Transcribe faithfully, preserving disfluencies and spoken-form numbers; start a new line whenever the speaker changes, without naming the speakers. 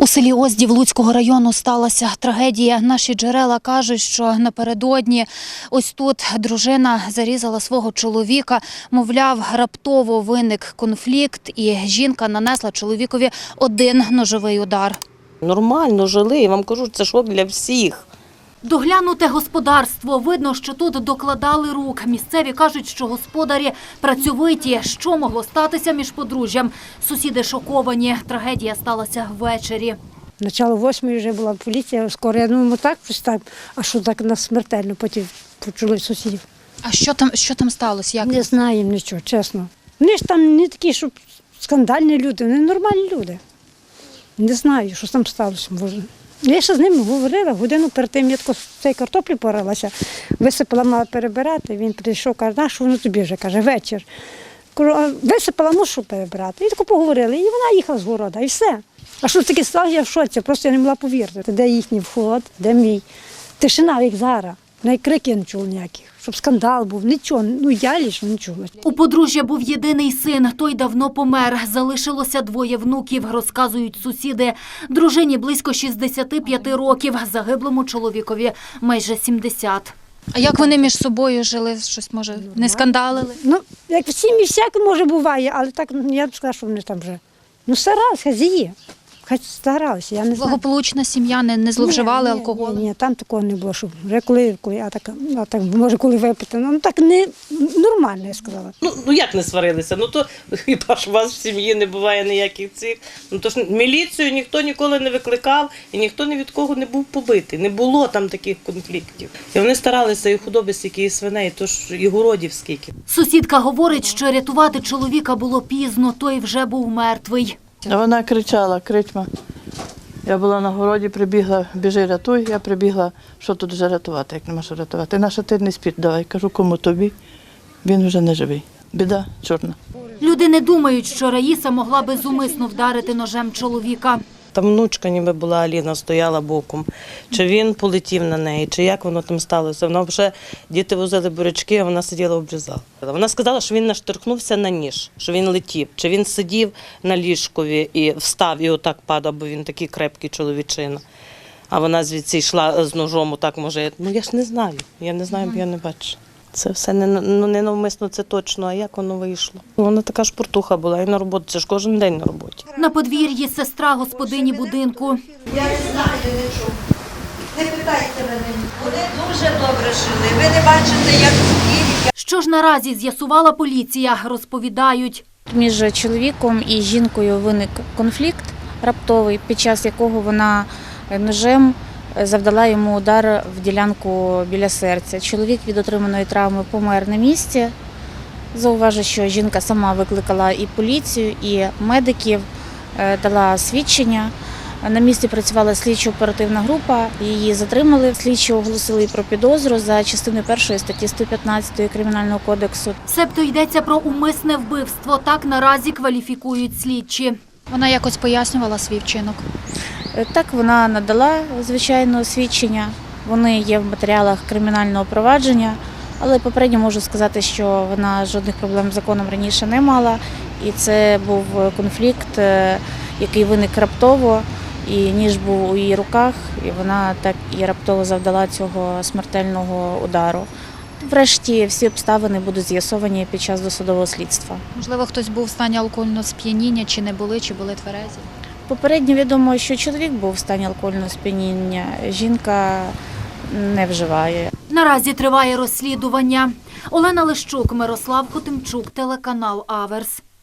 У селі Оздів Луцького району сталася трагедія. Наші джерела кажуть, що напередодні ось тут дружина зарізала свого чоловіка. Мовляв, раптово виник конфлікт і жінка нанесла чоловікові один ножовий удар.
Нормально жили, я вам кажу, це шок для всіх.
Доглянуте господарство. Видно, що тут докладали рук. Місцеві кажуть, що господарі працьовиті. Що могло статися між подружжям? Сусіди шоковані. Трагедія сталася ввечері.
Начало восьмої вже була поліція, скоро, я думаю, так, щось так, а що так нас смертельно, потім почули сусідів.
А що там, що там сталося? Як?
Не знаємо нічого, чесно. Вони ж там не такі, щоб скандальні люди, вони нормальні люди. Не знаю, що там сталося. Може. Я ще з ними говорила, годину перед тим я тако з цієї картоплі поралася, висипала, мала перебирати, він прийшов, каже, а що воно тобі вже, каже, вечір. Кажу, а висипала, ну що перебирати? І тако поговорили, і вона їхала з города, і все. А що таке сталося, я в шоці, просто я не могла повірити. Де їхній вход, де мій. Тишина, як зараз. Навіть крики я не чула ніяких, щоб скандал був, нічого, ну я лише не чула.
У подружжя був єдиний син, той давно помер. Залишилося двоє внуків, розказують сусіди. Дружині близько шістдесяти п'яти років, загиблому чоловікові майже сімдесят. А як вони між собою жили? Щось, може, не скандалили?
Ну, як в сім'ї всяке, може, буває, але так, ну, я б сказала, що вони там вже, ну, старалися, хазії. Хай старалися, я не знаю.
Благополучна сім'я, не, не зловживали
ні, ні,
алкоголем?
Ні, ні, там такого не було, що вже коли, коли, а так, а так, може, коли випити, ну, так не, нормально, я сказала.
Ну, ну як не сварилися? Ну то хіба ж у вас в сім'ї не буває ніяких цих. Ну то ж міліцію ніхто ніколи не викликав і ніхто ні від кого не був побитий. Не було там таких конфліктів. І вони старалися і худоби стільки, і свиней, то ж і городів скільки.
Сусідка говорить, що рятувати чоловіка було пізно, той вже був мертвий.
А вона кричала, кричма. Я була на городі, прибігла, біжи, рятуй. Я прибігла, що тут вже рятувати, як нема що рятувати. Наша ти не спіть, давай. Кажу, кому тобі? Він вже не живий. Біда чорна.
Люди не думають, що Раїса могла би зумисно вдарити ножем чоловіка.
Там внучка ніби була, Аліна стояла боком. Чи він полетів на неї, чи як воно там сталося. Вона вже, діти возили бурячки, а вона сиділа обрізала. Вона сказала, що він наштовхнувся на ніж, що він летів. Чи він сидів на ліжкові і встав і отак падав, бо він такий крепкий чоловічина. А вона звідси йшла з ножом, отак може. Ну я ж не знаю, я не знаю, бо я не бачу. Це все не, ну, не навмисно, це точно, а як воно вийшло. Вона така шпортуха була і на роботі, це ж кожен день на роботі.
На подвір'ї сестра господині будинку.
Я не знаю нічого. Не питайте мене. Вони дуже добре жили. Ви не бачите, як їх.
Що ж наразі з'ясувала поліція, розповідають.
Між чоловіком і жінкою виник конфлікт раптовий, під час якого вона ножем завдала йому удар в ділянку біля серця. Чоловік від отриманої травми помер на місці. Зауважу, що жінка сама викликала і поліцію, і медиків, дала свідчення. На місці працювала слідчо-оперативна група, її затримали. Слідчі оголосили про підозру за частиною першої статті сто п'ятнадцять Кримінального кодексу.
Себто йдеться про умисне вбивство, так наразі кваліфікують слідчі. Вона якось пояснювала свій вчинок?
Так, вона надала, звичайно, свідчення. Вони є в матеріалах кримінального провадження, але попередньо можу сказати, що вона жодних проблем з законом раніше не мала. І це був конфлікт, який виник раптово, і ніж був у її руках, і вона так і раптово завдала цього смертельного удару. Врешті всі обставини будуть з'ясовані під час досудового слідства.
Можливо, хтось був в стані алкогольного сп'яніння, чи не були, чи були тверезі?
Попередньо відомо, що чоловік був в стані алкогольного сп'яніння, жінка не вживає.
Наразі триває розслідування. Олена Лищук, Мирослав Хотимчук, телеканал Аверс.